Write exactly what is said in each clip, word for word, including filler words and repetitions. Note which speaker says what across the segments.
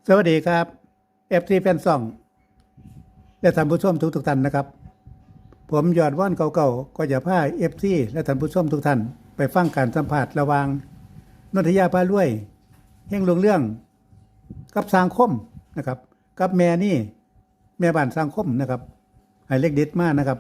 Speaker 1: สวัสดีครับ เอฟ ซี แฟนซองและท่านผู้ชมทุกทุกท่านนะครับ ผมยอดว่อนเก่าๆก็จะพา เอฟ ซี และท่านผู้ชมทุกท่านไปฟังการสัมภาษณ์ระหว่างนนทยาพารวยเฮงลงเรื่องกับสังคมนะครับกับแม่นี่แม่บ้านสังคมนะครับให้เล็กเด็ดมากนะครับ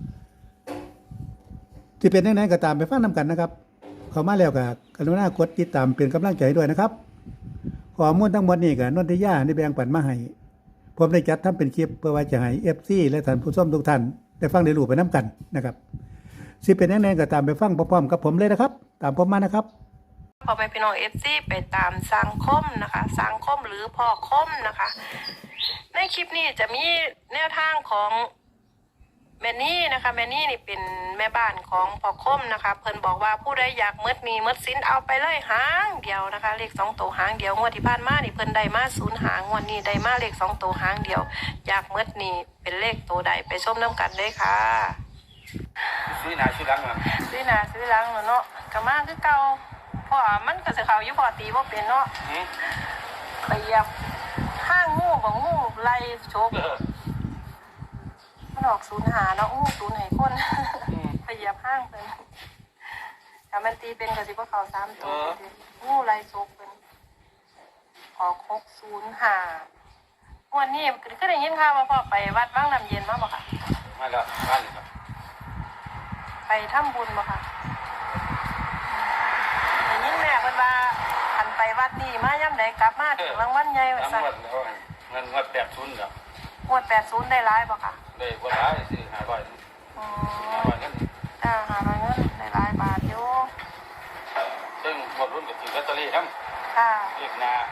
Speaker 1: ที่เป็นยังไงก็ตามไปฟังนำกันนะครับเข้ามาแล้วก็กรุณากดติดตามเป็นกำลังใจด้วยนะครับข้อมูลทั้งหมดนี้ก็นนทยาได้แบ่งปันมาให้ผมได้จัดทำเป็นคลิปเพื่อว่าจะให้ เอฟ ซี และท่านผู้ชมทุกท่านได้ฟังได้รู้ไปน้ำกันนะครับสิเป็นยังไงก็ตามไปฟังพร้อมๆกับผมเลยนะครับตามผมมานะครับ
Speaker 2: พอไปพี่น้องเอฟซีไปตามสังคมนะคะสังคมหรือพ่อคมนะคะในคลิปนี้จะมีแนวทางของแมนนี่นะคะแมนนี่นี่เป็นแม่บ้านของพ่อคมนะคะเพิ่นบอกว่าผู้ใดอยากมดมีมดสินเอาไปเลยหางเดียวนะคะเลขสองตัวหางเดียวงวดที่ผ่านมานี่เพิ่นได้มาศูนย์หางงวดนี้ได้มาเลขสองตัวหางเดียวอยากมดนี่เป็นเลขตัวใดไปชมน้ำกันเลยค่ะ
Speaker 3: ซื้อหนาซื้อหลังอ่ะ
Speaker 2: ซื้อหน้าซื้อหลังเนาะก็มาคือเก่าเพราะว่ามันก็สิเข้าอยู่พอตีบ่เป็นเนาะ
Speaker 3: หืม
Speaker 2: ไปเหยียบห้างงูบ่งูไล่โชกมันออกศูนย์หาเนาะงูศูนย์ให้คนไปเหยียบห้างเพิ่นถ้ามันตีเป็นก็สิบ่เข้าสามตัวงูไล่โชกเพิ่นออกหกศูนย์ห้าวันนี้ก็ได้ยินข่าวว่าพ่อไปวัดบางน้ำเย็นมาบ่ค่ะ
Speaker 3: มาแล้วบ้านเลยครับ
Speaker 2: ไปทำบุญบ่ค่ะได้ยินแม่เพิ่นว่าคันไปวัดนี่มายามใดกลับมาถึงรางวัลใหญ่ว่า
Speaker 3: น้ำ
Speaker 2: ซั่น
Speaker 3: วัดแล้วเงินวัดแปดทุนแล้ว
Speaker 2: งวดแปดสิบได้หลายบ่ค่ะ
Speaker 3: ได้กว่าหลายซื้อหาร้อย
Speaker 2: อื
Speaker 3: หามร้อยเงิน
Speaker 2: อ่าหาร้อยเงินได้หลายบาทอยู่
Speaker 3: ซึ่งหมดรุ่นกับถือลอตเตอรี่ครับ
Speaker 2: ค่ะ
Speaker 3: เลขหนา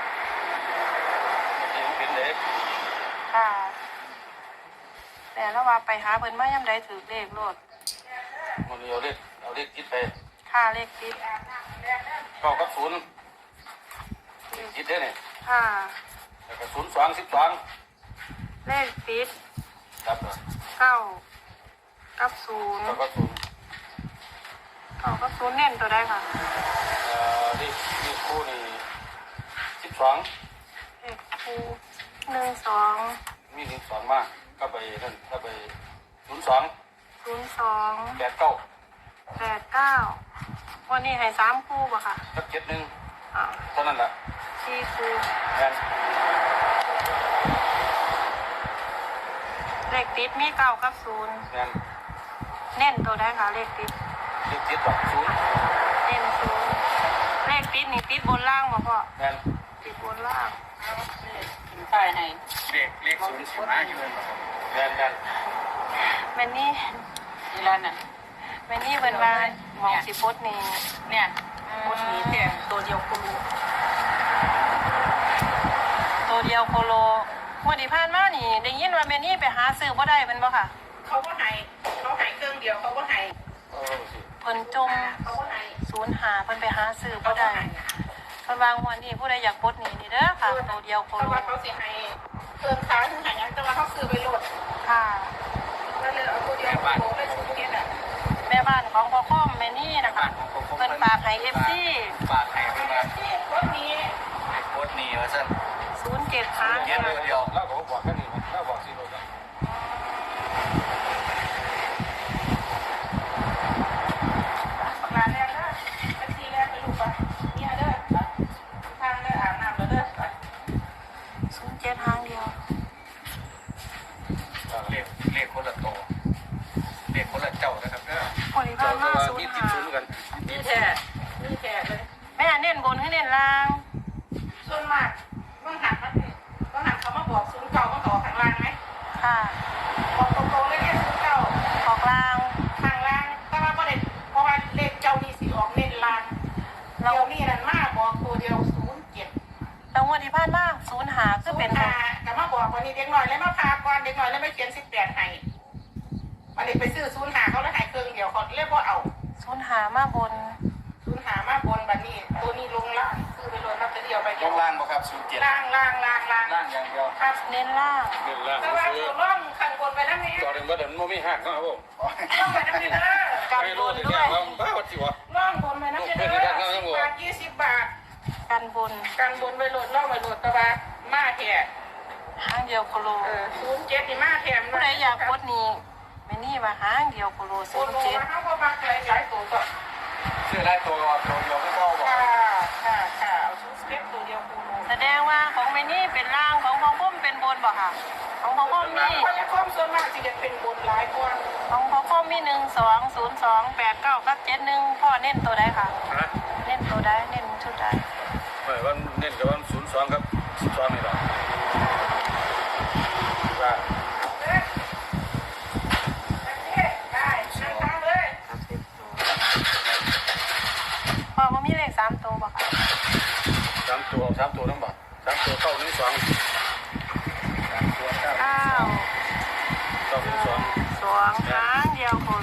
Speaker 3: จริงเป็นเด็ก
Speaker 2: ค่ะแต่แล้วว่าไปหาเพิ่นมายามใดถือเลขโลด
Speaker 3: มันเอาเลขเอาเลขคิดไป
Speaker 2: ค่าเลขติด
Speaker 3: เก้ากับศูนย์คิดได้เนี่ย
Speaker 2: ค่ะ
Speaker 3: แล้วก็ศูนย์สองสิบสอง
Speaker 2: เลขติด
Speaker 3: ครับ
Speaker 2: เก้ากับศูนย์
Speaker 3: เก้ากับศูนย์
Speaker 2: เก้ากับศูนย์เน้นตัวใดค่ะ
Speaker 3: เอ่อเลขเลขคู่นี่สิบสอง
Speaker 2: เลขคู่หนึ่งสอง
Speaker 3: มีหนึ่งสองมากก็ไปนั่นก็ไปศูนย์สอง
Speaker 2: ศูนย์สอง
Speaker 3: แปดเก้า
Speaker 2: แปดเก้าวันนี้ให้สามคู่บ่ค่ะ
Speaker 3: สักเจ็ดหนึ่ง
Speaker 2: อ่า
Speaker 3: เท่านั้นแหละ
Speaker 2: สี่คู่
Speaker 3: แม่น
Speaker 2: เลขติดมีเก้ากับศูนย์
Speaker 3: แม่น
Speaker 2: เน้นตัวใดค่ะเลขติด
Speaker 3: เลขติดดอกศูนย์
Speaker 2: เน้นศูนย์เลขติดนี่ติดบนล่างบ่พ่อ
Speaker 3: แม่น
Speaker 2: ติดบนล่าง
Speaker 4: ใช่ให้
Speaker 3: เลขเลขศูนย์สิบห้าอยู่เลยแม่นแม่น
Speaker 2: แม่นี่
Speaker 4: นี่แล้วน่ะ
Speaker 2: แม่นี่เพิ่นว่าหมองสิปดนี่
Speaker 4: เนี่ยคนนี้แต่ตัวเดียวคุณ
Speaker 2: ตัวเดียวโคโลงวดที่ผ่านมานี่ได้ยินว่าแม่นี่ไปหาซื้อบ่ได้เพิ่นบ่ค่ะ
Speaker 4: เขาก็ให้เขาให้เครื่องเดียวเขาก็ให้
Speaker 3: เออสิ
Speaker 2: เพิ่นจม
Speaker 4: เขาก็ให้
Speaker 2: ศูนย์หาเพิ่นไปหาซื้อบ่ได้เพิ่นวางวันนี้ผู้ใดอยากปลดหนี้นี่เด้อค่ะตัวเดียวโค
Speaker 4: เพ
Speaker 2: โล
Speaker 4: ราะว่าเขาสิให้เครื่องค้าถึงให้ยังแต่ว่าเขาซื้อไปโหลด
Speaker 2: ค่ะ
Speaker 4: แล้วเลยเอาตัวเดียวโหลดไปชุดนี้แหละ
Speaker 2: แม่บ้านของพ่อคอมแม่นี่นะคะเพิ่นฝากให้ เอฟ ซี
Speaker 3: ฝากให้เพิ่นมา
Speaker 4: ที่คนนี้
Speaker 3: ให้โคตรนี่ว่าซั่น
Speaker 2: ศูนย์เจ็ดหาง
Speaker 3: เงี้ยเดียวแล้วก็บอกแค่นี้แล้วบอกสิโลด
Speaker 4: ปากลาแรกเด้อเป็นทีแรกเป็นลูกปะเนี่ยเด้อทางเด้ออาบน้ำแล้วเด้อ
Speaker 2: ศูนย์เจ็ดหางเดียว
Speaker 3: เลขเลขคนละโตเลขคนละเจ้านะครับเด้อ
Speaker 2: คนที่ผ่านมาศูน
Speaker 3: มี
Speaker 2: ย์
Speaker 3: ติด
Speaker 2: หา
Speaker 3: ศูนย์กัน
Speaker 4: นี่แท้นี่แท้เลย
Speaker 2: แม่เน้นบนให้เน้นล่าง
Speaker 4: ส่วนมากบางหันมันบางหันเขามาบอกศูนย์เก่ามาต่อข้างล่างไหม
Speaker 2: ค่ะ
Speaker 4: บอกตรงๆเลยเนี่ยศูนย์เก่า
Speaker 2: ออกล่าง
Speaker 4: ทางล่างแต่ว่าประเด็นเพราะว่าเลขเจ้านี่สิออกเน้นล่างเดี๋ยวนี้นั่นมาบอกตัวเดียวศูนย์เจ็ด
Speaker 2: แล้วงวดที่ผ่านมาศูนย์หาคือเป็น
Speaker 4: หาแต่มาบอกวันนี้เด็กหน่อยแล้วมาพาก่อนเด็กหน่อยแล้วไม่เขียนสิบแปดให้วันนี้ไปซื้อศูนย์หาเขาแล้วหายเครื่องเดียวเขาเรียกว่าเอา
Speaker 2: ศูนย์หามาบน
Speaker 4: ศูนย์หามาบนบัดนี้ตัวนี้ลงล่างซื้อไปเลยนับเดียวไป
Speaker 3: ล
Speaker 4: เดียว
Speaker 3: งล่างบ่ครับศูนย์เจ็ด
Speaker 4: ล่างล่างล่างล่าง
Speaker 3: ล่างอย่างเดียว
Speaker 4: ครับ
Speaker 2: เน้นล่าง
Speaker 3: เงินล่าง
Speaker 4: แต่ว่า
Speaker 3: ซื้อ
Speaker 4: ตัวร่องข้างบนไปนั่นนี่
Speaker 3: ต่อถึงว่าเดี๋ยวมันไม่หักนะครับผม
Speaker 4: ร่องไปนั่นนี่เด้อ
Speaker 2: กัน
Speaker 3: ไม่
Speaker 2: บ
Speaker 3: รู้
Speaker 2: น
Speaker 3: ที่
Speaker 2: ด้
Speaker 3: แค่
Speaker 2: วย
Speaker 3: ว่าบ้าวัดสิวะ
Speaker 4: ร่องบนไปนั่นนี่เด้อบาทยี่สิบบาท
Speaker 2: กันบน
Speaker 4: การบนไปโหลดล่องไปโหลดตะบะ
Speaker 2: เดียวโคโล
Speaker 4: เออศูนย์เจ็ดนี่มาแถม
Speaker 2: ผู้ใดอยากกดนี่แม่นี่ว่าหางเดียวโคโล
Speaker 4: ศู
Speaker 2: ศู
Speaker 4: น
Speaker 2: น
Speaker 4: ย์
Speaker 2: ย์
Speaker 4: เจ็
Speaker 2: เจ็
Speaker 4: ด
Speaker 2: ด
Speaker 4: เขาก็มาหลายหลายตัวก็
Speaker 3: ซื้อได้ตัวตัวเดียวไม่พอบอก
Speaker 4: ค่ะค่ะค่ะเอาศูนย์เจ็ดตัวเดียวคูโล
Speaker 2: แสดงว่าของแม่นี่เป็นล่างของพ่อพุ่มเป็นบนบ่ค่ะของพ่อพุ่มมี
Speaker 4: พยาคมส่วนมากจะเป็นบนหลายกว่า
Speaker 2: ของพ่อพุ่มมีหนึ่งสองศูนย์สองแปดเก้ากับเจ็ดหนึ่งพ่อเน้นตัวใดค่ะ
Speaker 3: นะ
Speaker 2: เน้นตัวใดเน้นชุดใด
Speaker 3: เมื่อวันเน้นกับวันศูนย์สองครับสิบสองนี่แหละว่า
Speaker 4: เอ๊ะได้นะคะเลย
Speaker 2: พ่อว่ามีเลขสามตัวบ่ค่ะ
Speaker 3: สามตัวสามตัวทั้งหมดสามตัวเข้าหนึ่งสองสามตัวเก้า
Speaker 2: เก้า
Speaker 3: เข้าหนึ่งสอง
Speaker 2: สองหางเดียวโคโล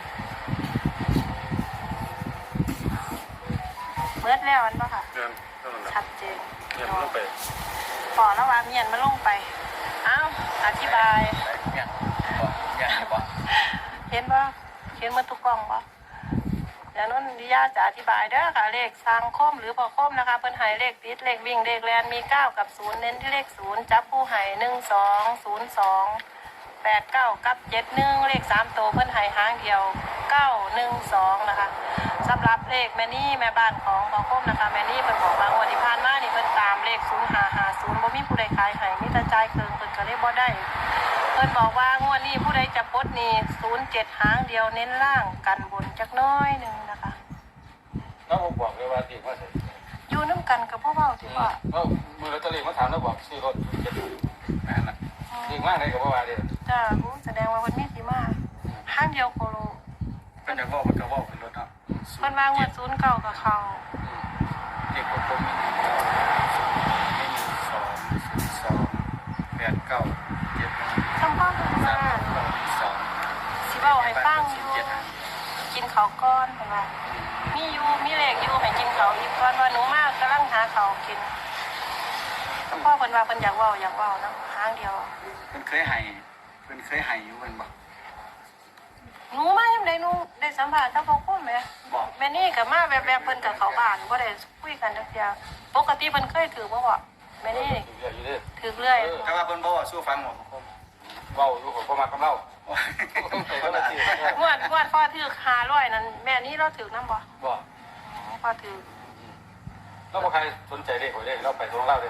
Speaker 2: เบิดแล้วอันบ่ค่ะ
Speaker 3: เงินเท่านั้นแหละ
Speaker 2: ชัดเจน
Speaker 3: เงินมันลงไป
Speaker 2: พอแล้วว่าเมียนมาลงไปเอ้าอธิบาย
Speaker 3: เนี่ยบอกเนี่ยบอก
Speaker 2: เห็นบ่เห็นหมันทุกกล้องบ่เดี๋ยวนั้นดิยาจะอธิบายเด้อค่ะเลขสร้างคมหรือพอคมนะคะเพิ่นให้เลขติดเลขวิ่งเลขแลนมีเก้ากับศูนย์เน้นที่เลขศูนย์จับผู้ให้หนึ่งสองศูนย์สองแปดเก้ากับเจ็ดหนึ่งเลขสามตัวเพิ่นให้หางเดียวเก้าหนึ่งสองนะคะสำหรับเลขแม่นี่แม่บ้านของพอคมนะคะแม่นี่เพิ่นบอกบางวันที่ผ่านมานี่เพิ่นตามเลขศูนย์ห้าห้าศูนย์บ่มีผู้ใดขายให้มีแต่จ่ายเกินเพิ่นก็เลยบ่ได้ เพิ่นบอกว่างวดนี้ผู้ใดจะปลดหนี่ศูนย์เจ็ดหางเดียวเน้นล่างกันบนจักน้อยหนึ่งนะคะ
Speaker 3: แล้วผมบอกเลยว่าตีว่าเสร็จ
Speaker 2: อยู่น้ำกันกับพ่อเบาที่ว่า
Speaker 3: แล้วมือลอตเตอรี่มาถามแล้วบอกซื้อรถจะดูนั่นแหละดีมากเลยกับว่าเดียว
Speaker 2: จ้ารู้แสดงว่าเพิ่นมีสีมาห้างเดียวโคโล
Speaker 3: เป็นจากว่ามันก็ว่าเป็นรถเนาะ
Speaker 2: เพิ่นวางงวดศูนย์เก่ากับเขา
Speaker 3: เด็กผมผมมีหนึ่งเก้าหนึ่งสองศูนย์สองแปดเก้าเจ็ดหนึ่ง
Speaker 2: สำพ่อเพิ่น
Speaker 3: สา
Speaker 2: มา
Speaker 3: มเก้าสอง
Speaker 2: สิเว้าให้ฟังอยู่กินข้าวก้อนเพิ่นว่ามีอยู่มีเลขอยู่ให้กินข้าวอีกก่อนว่าหนูมากกำลังหาข้าวกินสำพ่อเพิ่นว่าเพิ่นอยากเว้าอยากเว้านะห้างเดียว
Speaker 3: เพิ่นเคยให้เพิ่นเคยให้อยู่เพิ่นบอก
Speaker 2: หนูมายังไดหนูได้สัมภาษณ์กับพ่อคุณแหม
Speaker 3: บอก
Speaker 2: แม่นี่ก็มาแบบแบบเพิ่นกับเขาบ้านบ่ได้คุยกันจักเที่ยปกติเพิ่นเคยถือบ่บ่แม่นี่ถือเรื่อย
Speaker 3: ถ้าว่าเพิ่นบอกว่าสู้ฟังหมดผมเว้าอยู่ผมก็มากำเล่า
Speaker 2: งวดงวดพ่อถือห้าร้อยนั่นแม่นี่เราถือนำบ่
Speaker 3: บอก
Speaker 2: พ่อถือ
Speaker 3: แล้วพอใครสนใจเลขหวยเลขเราไปตรงเล่าเลย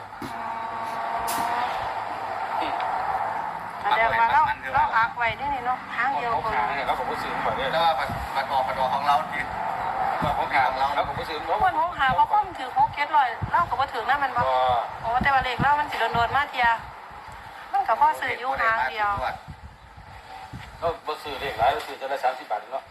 Speaker 2: แสดงว่าเราเราอักไว้ได้นี่เนาะทางเดียว
Speaker 3: เขา
Speaker 2: คน
Speaker 3: ขายเนี่ยแล้วผมก็ซื้อมาเนี่ยแล้วว่าปัดออกปัดออกของเราจริงว่าของขายของเราแล้วผมก็ซื้อ
Speaker 2: คนหกหาพ่อพ่อมถือหกเก็ดร้อยเราก็บ่ถือนำมันบ่โอ้แต่ว่าเลขเรามันสิโดนๆมาเที่ยมันก็พอซื้ออยู่ทางเดียว
Speaker 3: เราบ่ซื้อเลขหลายเราซื้อจะละสามสิบบาทเนาะ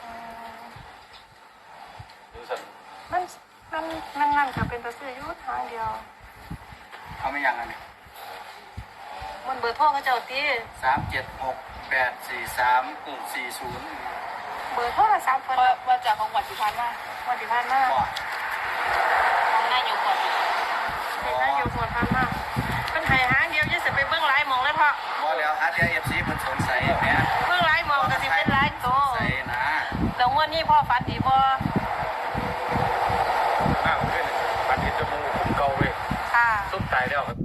Speaker 3: ดูสั่น
Speaker 2: มันมันมันนั่นก็เป็นไปซื้ออยู่ทางเดียว
Speaker 3: เขาไม่ยังไง
Speaker 2: มันเบอร์โทรเขาเจ้าตี
Speaker 3: สามเจ็ดหกแปดสี่สามสี่ศูนย์
Speaker 2: เบอร์โทรศัพท์เพิ่น
Speaker 5: ว่าจากของหวัดสุพรรณมา
Speaker 2: วันที่ผ่านมา
Speaker 3: บอก
Speaker 5: ของหน้าอยู่ก่อน
Speaker 2: เห็นนะอยู่ส่วนผ่านมาเพิ่นให้หางเดียวจะสิไปเบิ่งหลายหมองเลยพ่อ
Speaker 3: บอกแล้วฮาร์ดเอฟซีมันสงสัยเนี่ย
Speaker 2: เบิ่งหลายหมองก็สิเป็นหลายโต
Speaker 3: ใส่นะ
Speaker 2: แล้วงวดนี้พ่อฝันดีบ่
Speaker 3: มากขึ้นปันทิจมูกคุ้มเก่าเว้ย
Speaker 2: ค่ะ
Speaker 3: ส้มตายแล้วครับ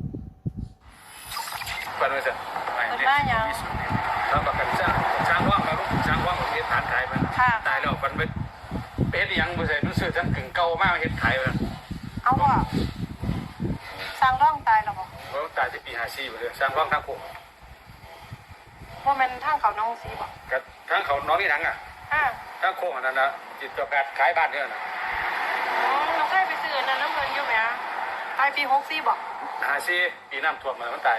Speaker 3: ปันไม่เสร็จ
Speaker 2: เพิ่นมาหยัง
Speaker 3: แล้วประกันจ้างจ้างว่างมาลูกจ้างว่างของเฮ็ดฐานขายมัน
Speaker 2: ค่ะ
Speaker 3: ตายแล้วมันไปเป็นยังบ่ใส่รู้สึกทั้งกึ่งเก่ามากเฮ็ดขายมัน
Speaker 2: เอาบ่สร้างร่องตายแล้วบ่
Speaker 3: เพราะตายที่ปีห้าสี่บ่เลยสร้างว่างทั้งโค
Speaker 2: บ่แม่นทางเขาน้องสีบ่
Speaker 3: กับทั้งเขาน้องนี่ทั้งอ่ะ
Speaker 2: อ่า
Speaker 3: ทั้งโคอันนั้นนะจิตกับการขายบ้านเนี่ยนะ
Speaker 2: อืมเราเคยไปซื้ออันนั้นน้ำเพิ่นอยู่แหมตายปีหกสี่บ่
Speaker 3: ห้าสี่ปีน้ำท่วมมามันตาย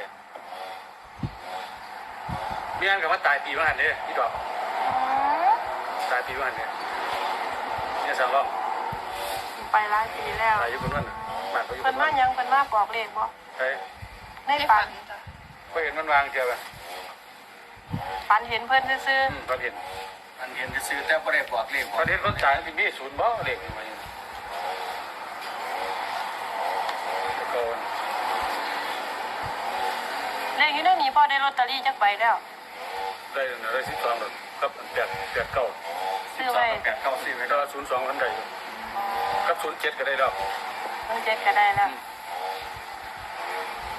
Speaker 3: เมียนกับว่าตายปีว่าหันเด้พี่ดอก
Speaker 2: อืม
Speaker 3: ตายปีว่าหันเด้เนี่ยสั่งร้อง
Speaker 2: ไปหลายปีแล้ว
Speaker 3: ตายอยู่บนนั้นบ้านเขาอยู่บ
Speaker 2: เพิ่น
Speaker 3: น
Speaker 2: มา
Speaker 3: นั้น
Speaker 2: หยังเพิ่นมาบอกเลขบ่
Speaker 3: ใช่
Speaker 2: ใน
Speaker 5: ได้
Speaker 2: ฝั
Speaker 5: ฝั
Speaker 2: น
Speaker 5: นจ้ะ
Speaker 3: ก็เห็นมันวางเจียวไป
Speaker 2: ฝันเห็นเพิ่นซื่อ
Speaker 3: อืมเขาเห็น
Speaker 6: อันเห็นจะซื้อแต่บ่ได้บอกเลขบอ
Speaker 3: เขา
Speaker 6: ก
Speaker 3: เห็นคนตายที่มีศูนย์บ่เด็กมาอยู่โกน
Speaker 2: ๆเลขอยู่ในนี้พ่อได้ลอตเตอรี่จักใบแล้ว
Speaker 3: ได้ได้สิบสองหรอกครับแปดแปดเก้า
Speaker 2: ซื้อไว้
Speaker 6: แปดเก้าสี่ไว้
Speaker 3: ก็ศูนย์สองทันใดอยู่ครับศูนย์เจ็ดก็ได้ดอก
Speaker 2: ศูนย์เจ็ดก็ได้แล้วศูนย์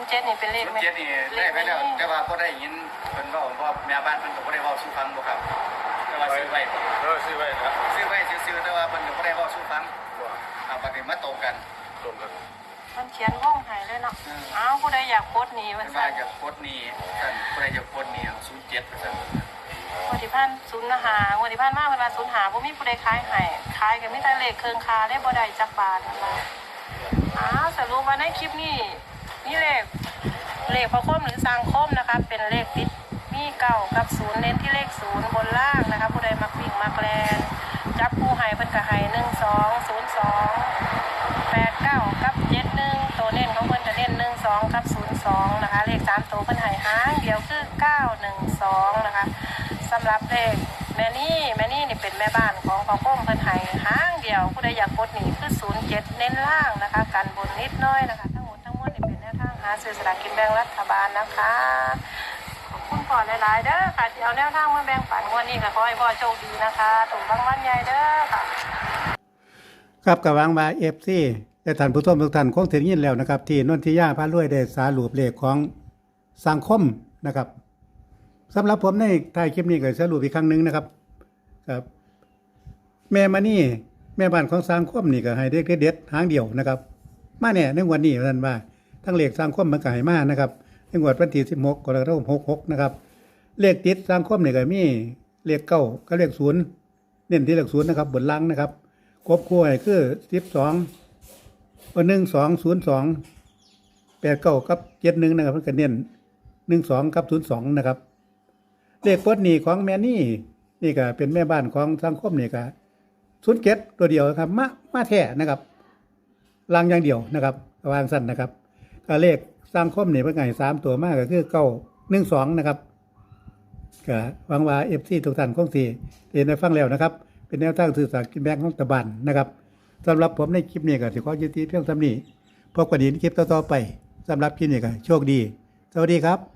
Speaker 2: ย์เจ็ดนี่เป็นเลข
Speaker 6: ศูน
Speaker 2: ไหม
Speaker 6: ย์เจ็ดนี่ได้ไปแล้วแต่ว่าบ่ได้ยินเพิ่นเว้าเพราะแม่บ้านเพิ่นก็บ่ได้เว้าสู่ฟังบ่ครับแต่ว่าซื้อไว้
Speaker 3: เออซื้อไว้นะ
Speaker 6: ซื้อไว้ซื่อๆแต่ว่าเพิ่นก็บ่ได้เว้าสู่ฟังครับบัดนี้มาตรงกัน
Speaker 3: ตรงกัน
Speaker 2: มันเขียนว่องหายเลยเนาะอ้าวผู้ใดอยากโพสต์หนี้มัน
Speaker 6: เพิ่นว่า
Speaker 2: สั่น
Speaker 6: จะโคตรนี้ท่านผู้ใดจะโคตรนี้ศูนย์เจ็ดซั่น
Speaker 2: วันที่พันศูนย์หาวันที่พันมากเวลาศูนย์หาบ่มีผู้ใดขายให้ขายก็มีแต่เลขเครื่องคาได้บ่ได้จักบาทนั่นล่ะอ้าวสรุปว่าในคลิปนี้นี่เลขเลขพระคมหรือสร้างคมนะคะเป็นเลขติดมีเก้ากับศูนย์เน้นที่เลขศูนย์บนล่างนะคะผู้ใดมักวิ่งมักแลนจับผู้ให้เพิ่นก็ให้หนึ่งสองศูนย์สองแปดเก้ากับเจ็ดหนึ่งตัวเน้นของเพิ่นจะเน้นหนึ่งสองกับศูนย์สองนะคะเลขสามตัวเพิ่นให้หางเดียวคือเก้าหนึ่งสองนะคะสำหรับเลขแม่นี่แม่นี่นี่เป็นแม่บ้านของพระคมเพิ่นให้หางเดียวผู้ใดอยากกดหนีคือศูนย์เจ็ดเน้นล่างนะคะกันบนนิดน้อยนะคะทั้งหมดทั้งมวลนี่เป็นแนวทางหาซื้อสลากกินแบ่งรัฐบาลนะคะขอบคุณพ่อหลายๆเด้อค่ะที่เอาแนวทางมาแบ่งปันวันนี้ก็ขอให้พ่อโชคดีนะคะถูกรางวัลใหญ่เด้อค่ะ
Speaker 1: ครับกับวางมาเอฟซีและท่านผู้ชมทุกท่านคงถึงยินแล้วนะครับ ที่นนทิยาพารวยได้สารุปเลขของสังคมนะครับสำหรับผมในท้ายคลิปนี้ก็สรุปอีกครั้งหนึ่งนะครับครับแม่มานี่แม่บ้านของสังคมนี่ก็ให้เด็กเด็ดๆหางเดียวนะครับ มาเนี่ยในวันนี้ท่านว่าทั้งเลขสังคมมันก็ให้มานะครับในงวดวันที่สิบหกกรกฎาคมหกสิบหกนะครับเลขติดสังคมนี่ก็มีเลขเก้าก็เลขศูนย์เน้นที่เลขศูนย์นะครับบนล่างนะครับครบคู่ให้คือสิบสองหนึ่งสองศูนย์สองแปดเก้ากับเจ็ดหนึ่งนะครับเพื่อนเน้นหนึ่งสองกับศูนย์สองนะครับเลขปลดหนี้ของแม่นี่นี่ก็เป็นแม่บ้านของสังคมนี่ก็ศูนย์เจ็ดตัวเดียวครับมามาแท้นะครับลางอย่างเดียวนะครับวางสั้นนะครับก็เลขสังคมนี่เป็นไงสามตัวมากก็คือเก้าหนึ่งสองนะครับก็หวังว่าเอฟซีทุกท่านคงที่เรียนได้ฟังแล้วนะครับเป็นแนวทางสื่อสารกินแบงของตะบันนะครับสำหรับผมในคลิปนี้ก็ถือว่ายุติเพียงเท่านี้พบกันอีกในคลิปต่อๆไปสำหรับคลิปนี้ก็โชคดีสวัสดีครับ